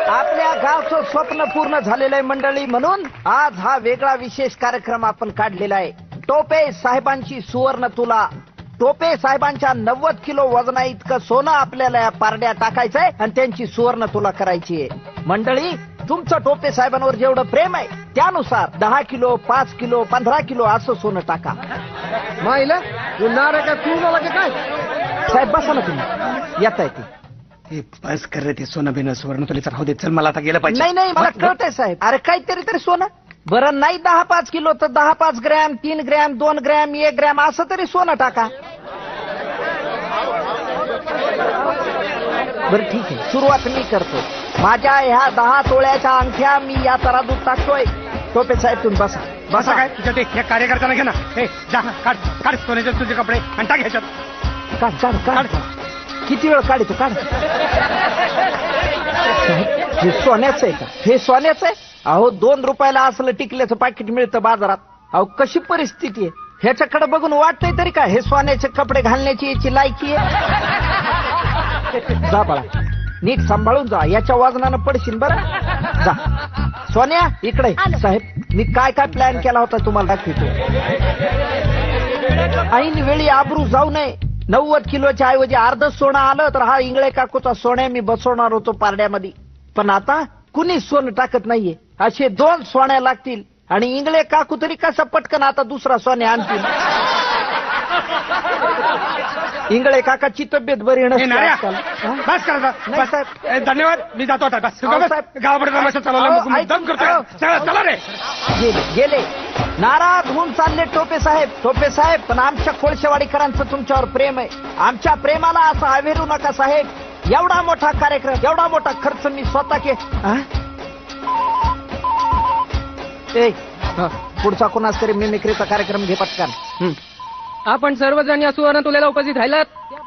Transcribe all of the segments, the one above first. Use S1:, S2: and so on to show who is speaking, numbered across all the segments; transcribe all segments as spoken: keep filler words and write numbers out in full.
S1: आपल्या गावचं स्वप्न पूर्ण झालेलं आहे मंडळी, म्हणून आज हा वेगळा विशेष कार्यक्रम आपण काढलेला आहे. टोपे साहेबांची सुवर्ण तुला. टोपे साहेबांच्या नव्वद किलो वजना इतकं सोनं आपल्याला या पारड्या टाकायचंय आणि त्यांची सुवर्ण तुला करायची आहे. मंडळी, तुमचं टोपे साहेबांवर जेवढं प्रेम आहे त्यानुसार दहा किलो पाच किलो पंधरा किलो असं सोनं टाका.
S2: माहिला नारा का तू मला की काय
S1: साहेब बसा ना तुम्ही, येता येते.
S2: बस कर रे ते सोनं बिन सुवर्ण तुला राहू दे. चल मला आता गेलं पाहिजे.
S1: नाही नाही मला कळतंय साहेब. अरे काहीतरी तरी सोनं बरं नाही. दहा पाच किलो तर दहा पाच ग्रॅम तीन ग्रॅम दोन ग्रॅम एक ग्रॅम असं तरी सोनं टाका. बरं ठीक आहे, सुरुवात मी करतो. माझ्या ह्या दहा तोळ्याच्या अंगठ्या मी या तराजूत टाकतोय. टोपे साहेब तुम्ही बसा.
S2: बसा काय तुझ्या ते हे कार्यकर्त्यांना घे ना. हे जा काढ काढ सोन्याचे तुझे कपडे आणि टाक ह्याच्यात.
S1: काढ काढ काढ. किती वेळ काढतो काढ. हे सोन्याचं आहे का? हे सोन्याचं आहे. अहो दोन रुपयाला असलं टिकल्याचं पाकिट मिळतं बाजारात. अहो कशी परिस्थिती आहे. ह्याच्याकडे बघून वाटतंय तरी काय हे सोन्याचे कपडे घालण्याची याची लायकी आहे. जा बाळा, नीट सांभाळून जा. याच्या वजनानं पडशील बरं. जा सोन्या इकडे. साहेब मी काय काय प्लॅन केला होता तुम्हाला दाखवतो. ऐन वेळी आबरू जाऊ नये. नव्वद किलोच्या ऐवजी अर्ध सोनं आलं तर हा इंगळे काकूचा सोन्या मी बसवणार होतो पारड्यामध्ये. पण आता कुणी सोनं टाकत नाहीये. असे दोन सोन्या लागतील आणि इंगळे काकू तरी कसा पटकन आता दुसरा सोन्या आणतील. इंगळे काकाची तब्येत बरी नसते.
S2: बस करा साहेब. धन्यवाद. मी जातो आता. बस गावाकडे तमाशा चालवला दम करतोय. चला रे.
S1: गेले गेले नाराज होऊन चालले टोपे साहेब. टोपे साहेब पण आमच्या कोळशेवाडीकरांचं तुमच्यावर प्रेम आहे. आमच्या प्रेमाला असं अवेरू नका साहेब. एवढा मोठा कार्यक्रम एवढा मोठा खर्च मी स्वतः के. पुढचा कोणाच तरी मिमिक्रीचा कार्यक्रम घे पटकन.
S3: आपण सर्वजण या सुवर्ण तुलेला उपस्थित राहिलात.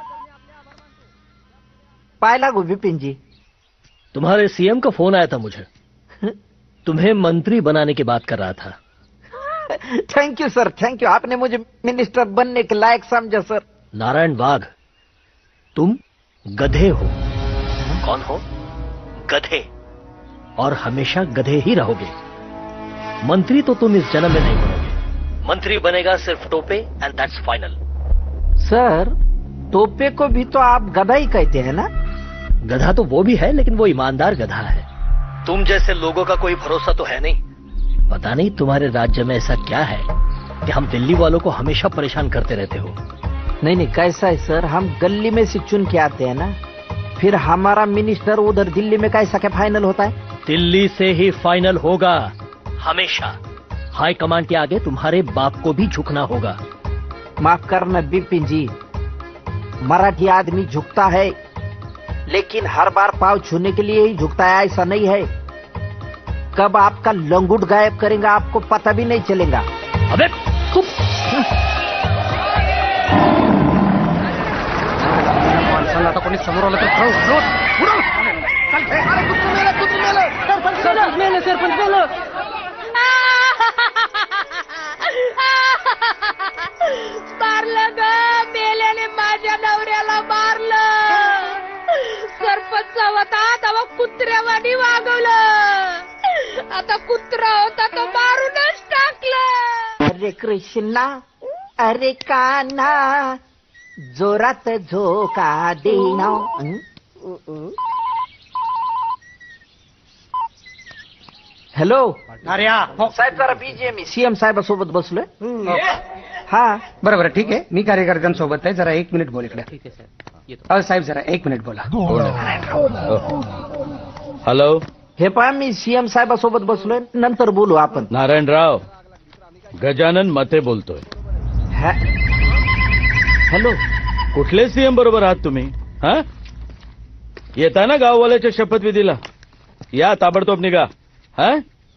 S1: पाय लागू विपिन जी.
S4: तुम्हारे सीएम का फोन आया था मुझे. तुम्हें मंत्री बनाने की बात कर रहा था.
S1: Thank you sir, thank you. आपने मुझे मिनिस्टर बनने के लायक समझा सर.
S4: नारायण वाघ, तुम गधे हो. कौन हो? गधे. और हमेशा गधे ही रहोगे. मंत्री तो तुम इस जन्म में नहीं बनोगे. मंत्री बनेगा सिर्फ Tope and that's final.
S1: Sir Tope को भी तो आप गधा ही कहते हैं ना.
S4: गधा तो वो भी है, लेकिन वो ईमानदार गधा है. तुम जैसे लोगों का कोई भरोसा तो है नहीं. पता नहीं तुम्हारे राज्य में ऐसा क्या है कि हम दिल्ली वालों को हमेशा परेशान करते रहते हो.
S1: नहीं नहीं कैसा है सर, हम गली में से चुन के आते हैं ना. फिर हमारा मिनिस्टर उधर दिल्ली में कैसा क्या फाइनल होता है.
S4: दिल्ली से ही फाइनल होगा हमेशा. हाई कमांड के आगे तुम्हारे बाप को भी झुकना होगा.
S1: माफ करना बिपिन जी, मराठी आदमी झुकता है लेकिन हर बार पाँव छूने के लिए ही झुकता है ऐसा नहीं है. कब आपका लंगूट गायब करेंगे आपको पता भी नहीं चलेगा.
S4: अबे तुम
S2: आता कोणी समोर आलं तर
S5: मारलं ग मेल्याने माझ्या नवऱ्याला मारलं. सरपंच होता तेव्हा कुत्र्यावानी वागवलं. आता कुत्रा होता तो मारूनच टाकलं.
S1: अरे कृष्णा अरे कान्हा जोरात झोका देना. हॅलो
S2: अरे
S1: साहेब जरा बीजी आहे मी. सीएम साहेबासोबत बसलोय. हा
S2: बरं बरं ठीक आहे. मी कार्यकर्त्यांसोबत आहे. जरा एक मिनिट बोल इकडे. अहो साहेब जरा एक मिनिट बोला.
S6: हॅलो.
S1: हे पहा मी सीएम साहेबासोबत बसलोय. नंतर बोलू आपण.
S6: नारायणराव, गजानन मते बोलतोय.
S1: हॅलो.
S6: कुठले सीएम बरोबर आहात तुम्ही? हा येता ना गाववाल्याच्या शपथविधीला? या ताबडतोब निघा. हा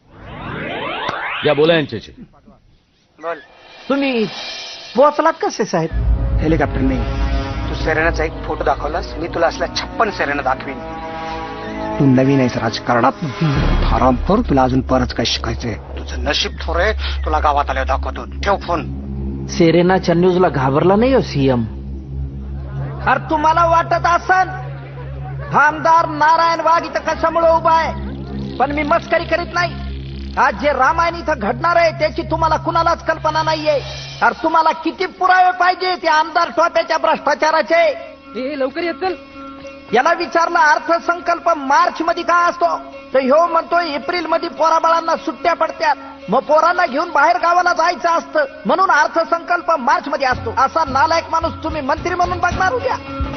S6: या बोला यांच्याशी.
S2: बोल.
S1: तुम्ही पोहोचलात कसे साहेब?
S2: हेलिकॉप्टर नाही. तू सेरेनाचा एक फोटो दाखवलास, मी तुला असल्या छप्पन सेरेना दाखवीन. तू नवीन आहेस राजकारणात. हरामखोर, तुला अजून परत काय शिकायचंय. तुझं नशीब थोरे. तुला गावात आल्यावर दाखवतो. ठेव फोन.
S1: सेरेनाच्या न्यूजला घाबरला नाही हो सीएम. अरे तुम्हाला वाटत असन हा आमदार नारायण वाघ इथं कशामुळे उभा आहे, पण मी मस्करी करीत नाही. आज जे रामायण इथं घडणार आहे त्याची तुम्हाला कुणालाच कल्पना नाहीये. अरे तुम्हाला किती पुरावे पाहिजे त्या आमदार टोप्याच्या भ्रष्टाचाराचे?
S3: हे लवकर येत चल.
S1: याला विचारलं अर्थसंकल्प मार्च मध्ये का असतो, तर ह्यो म्हणतोय एप्रिल मध्ये पोराबाळांना सुट्ट्या पडत्यात, मग पोरांना घेऊन बाहेर गावाला जायचं असतं म्हणून अर्थसंकल्प मार्च मध्ये असतो. असा नालायक माणूस तुम्ही मंत्री म्हणून बघणार उद्या.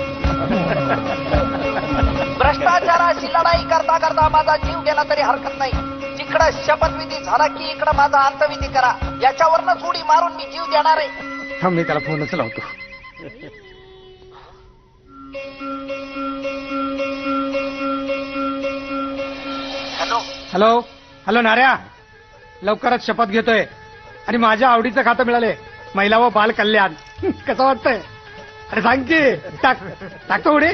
S1: भ्रष्टाचाराशी लढाई करता करता माझा जीव गेला तरी हरकत नाही. तिकडं शपथविधी झाला की इकडं माझा अंतविधी करा. याच्यावरनच उडी मारून मी जीव देणार आहे.
S2: थांब, मी त्याला फोनच लावतो.
S1: हॅलो
S2: हॅलो हॅलो नाऱ्या, लवकरच शपथ घेतोय आणि माझ्या आवडीचं खातं मिळाले, महिला व बाल कल्याण. कसं वाटतंय? अरे सांग की. टाक टाकतो उडी.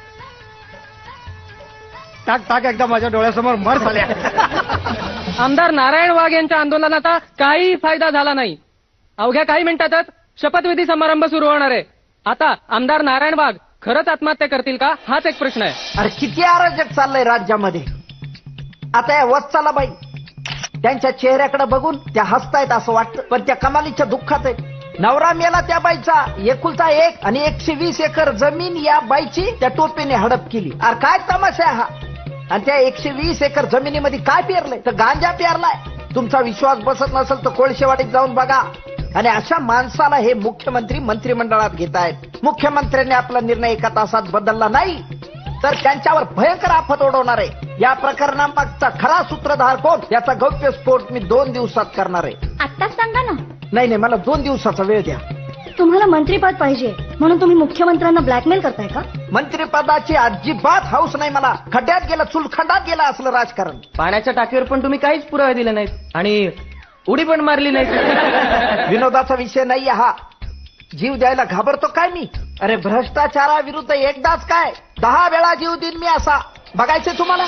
S2: टाक टाक एकदा माझ्या डोळ्यासमोर मर झाल्या.
S3: आमदार नारायण वाघ यांच्या आंदोलनाचा काही फायदा झाला नाही. अवघ्या काही मिनिटातच शपथविधी समारंभ सुरू होणार आहे. आता आमदार नारायण वाघ खरंच आत्महत्या करतील का, हाच एक प्रश्न आहे.
S1: अरे किती अराजक चाललंय राज्यामध्ये. आता या वत्साला बाई त्यांच्या चेहऱ्याकडे बघून त्या हसतायत असं वाटतं, पण त्या कमालीच्या दुःखात आहे. नवरा मेला त्या बाईचा एकुलता एक आणि एकशे वीस एकर जमीन या बाईची त्या टोपीने हडप केली. अरे काय तमाशा आहे हा. आणि त्या एकशे वीस एकर जमिनीमध्ये काय पेरलंय, तर गांजा पेरलाय. तुमचा विश्वास बसत नसेल तर कोळशेवाडीत जाऊन बघा. आणि अशा माणसाला हे मुख्यमंत्री मंत्रिमंडळात घेत आहेत. मुख्यमंत्र्यांनी आपला निर्णय एका तासात बदलला नाही तर त्यांच्यावर भयंकर आफत ओढवणार आहे. या प्रकरणामागचा खरा सूत्रधार कोण याचा गौप्यस्फोट मी दोन दिवसात करणार आहे.
S7: आत्ताच सांगा ना.
S1: नाही नाही, मला दोन दिवसाचा वेळ द्या.
S7: तुम्हाला मंत्रीपद पाहिजे म्हणून तुम्ही मुख्यमंत्र्यांना ब्लॅकमेल करताय का?
S1: मंत्रिपदाची अजिबात हौस नाही मला. खड्ड्यात गेला, चुलखंडात गेला असलं राजकारण.
S3: पाण्याच्या टाकीवर पण तुम्ही काहीच पुरावे दिले नाहीत आणि उडी पण मारली नाही.
S1: विनोदाचा विषय नाहीये हा. जीव द्यायला घाबरतो काय मी? अरे भ्रष्टाचाराविरुद्ध एकदाच काय दहा वेळा जीव देईन मी असा. बघायचे तुम्हाला?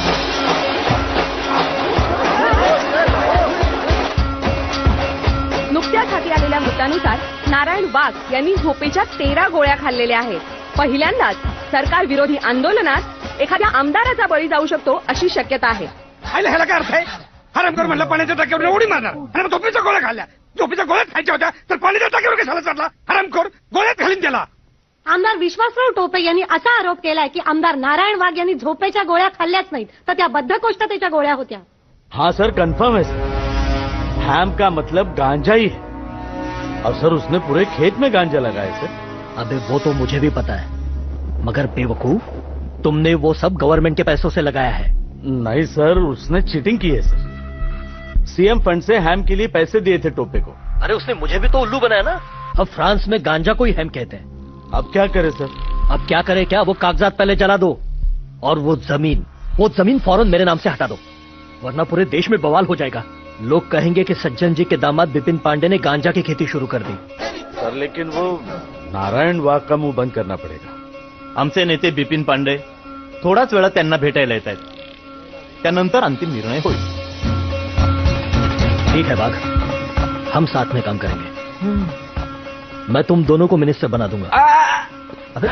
S5: नुकत्याच हाती आलेल्या वृत्तानुसार नारायण वाघ यांनी झोपेच्या तेरा गोळ्या खाल्लेल्या आहेत. पहिल्यांदाच सरकार विरोधी आंदोलनात एखाद्या आमदाराचा बळी जाऊ शकतो अशी शक्यता आहे.
S2: खायला ह्याला काय अर्थ आहे? हरामखोर म्हणलं पाण्याच्या टाक्यावर उडी मारणार आणि मग झोपेच्या गोळ्या खाल्ल्या. झोपेच्या गोळ्यात खायच्या होत्या तर पाण्याच्या टाक्यावर कशाला चढला? हरामखोर गोळ्यात घालीन त्याला.
S7: आमदार विश्वासराव टोपे यांनी असा आरोप केलाय की आमदार नारायण वाघ यांनी झोपेच्या गोळ्या खाल्ल्याच नाहीत तर त्या बद्धकोष्ठतेच्या गोळ्या होत्या.
S6: हाँ सर, कंफर्म है सर. हैम का मतलब गांजा ही है और सर उसने पूरे खेत में गांजा लगाया सर.
S4: अबे वो तो मुझे भी पता है, मगर बेवकूफ तुमने वो सब गवर्नमेंट के पैसों से लगाया है.
S6: नहीं सर, उसने चीटिंग की है सर. सीएम फंड से हैम के लिए पैसे दिए थे टोपे को.
S4: अरे उसने मुझे भी तो उल्लू बनाया ना. अब फ्रांस में गांजा को ही हैम कहते हैं.
S6: अब क्या करे सर?
S4: अब क्या करे क्या, वो कागजात पहले जला दो और वो जमीन वो जमीन फौरन मेरे नाम से हटा दो, वरना पूरे देश में बवाल हो जाएगा. लोग कहेंगे कि सज्जन जी के दामाद बिपिन पांडे ने गांजा की खेती शुरू कर दी.
S6: सर लेकिन वो नारायण वाघ का मुंह बंद करना पड़ेगा.
S8: आमचे नेते बिपिन पांडे थोडाच वेळात त्यांना भेटायला येत आहेत. त्यानंतर अंतिम निर्णय होईल.
S4: ठीक है बाघ, हम साथ में काम करेंगे. मैं तुम दोनों को मिनिस्टर बना दूंगा. अबे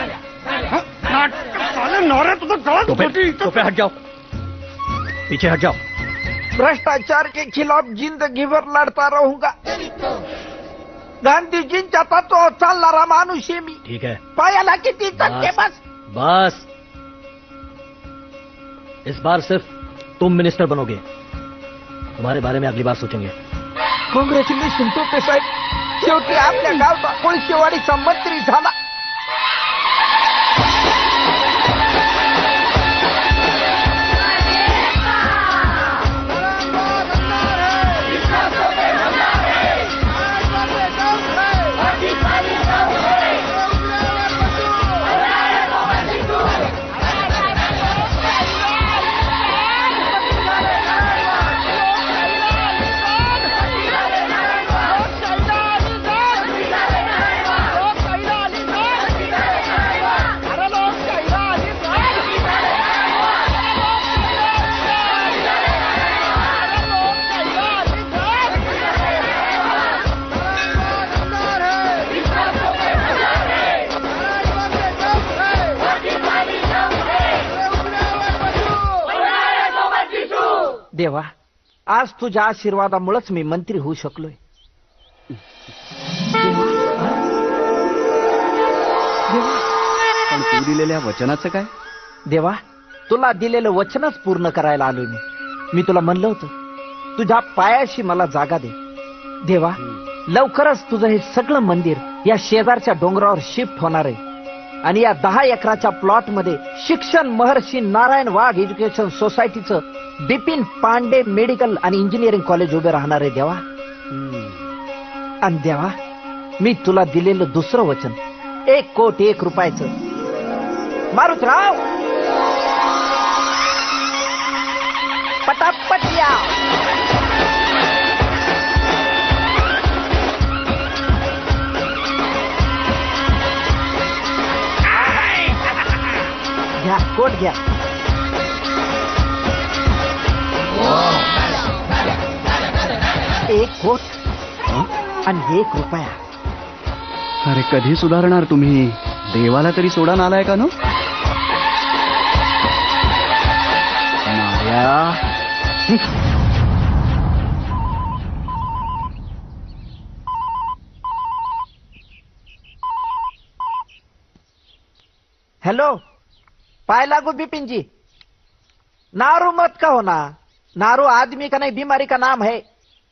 S2: नवऱ्या तुझं गळा
S4: टोपे टोपे हट जाओ, पीछे हट जाओ.
S1: भ्रष्टाचार के खिलाफ जिंदगी भर लड़ता रहूंगा. गांधीजींच्या तत्वावर चालणारा माणूस आहे मी.
S4: ठीक है,
S1: पायाला किती चटके बस.
S4: बस इस बार सिर्फ तुम मिनिस्टर बनोगे. तुम्हारे बारे में अगली बार सोचेंगे.
S1: कॉंग्रॅच्युलेशन टोपे साहेब, शेवटी आपल्या गावचा कोळशेवाडीचा मंत्री झाला. देवा, आज तुझ्या आशीर्वादामुळेच मी मंत्री होऊ शकलोय. देवा, देवा,
S9: पण तू दिलेल्या वचनाचं काय?
S1: देवा, तुला दिलेलं वचनच पूर्ण करायला आलोय मी. मी तुला म्हणलं होतं तुझ्या पायाशी मला जागा दे. देवा, लवकरच तुझं हे सगळं मंदिर या शेजारच्या डोंगरावर शिफ्ट होणार आहे आणि या दहा एकराच्या प्लॉट मध्ये शिक्षण महर्षी नारायण वाघ एज्युकेशन सोसायटीचं बिपिन पांडे मेडिकल आणि इंजिनिअरिंग कॉलेज उभे राहणार आहे. देवा, आणि देवा, मी तुला दिलेलं दुसरं वचन एक कोटी एक रुपयाचं. मारुतराव, पटापट या. घ्या, कोट घ्या. एक कोट आणि एक रुपया.
S9: अरे कधी सुधारणार तुम्ही? देवाला तरी सोडा नालाय का नो? नार्या.
S1: हेलो, पाय लागू बिपिन जी. नारू मत कहो ना. नारू आदमी का नहीं, बीमारी का नाम है.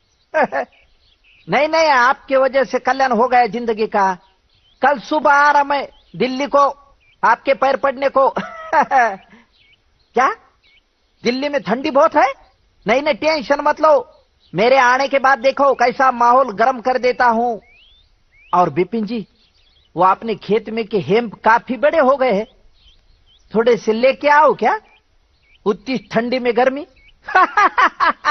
S1: नहीं नहीं, आपके वजह से कल्याण हो गया जिंदगी का. कल सुबह आ रहा मैं दिल्ली को आपके पैर पड़ने को. क्या दिल्ली में ठंडी बहुत है? नहीं नहीं, टेंशन मत लो. मेरे आने के बाद देखो कैसा माहौल गर्म कर देता हूं. और बिपिन जी, वो अपने खेत में के हेम्प काफी बड़े हो गए हैं, थोड़े से लेके आओ क्या? उतनी ठंडी में गर्मी.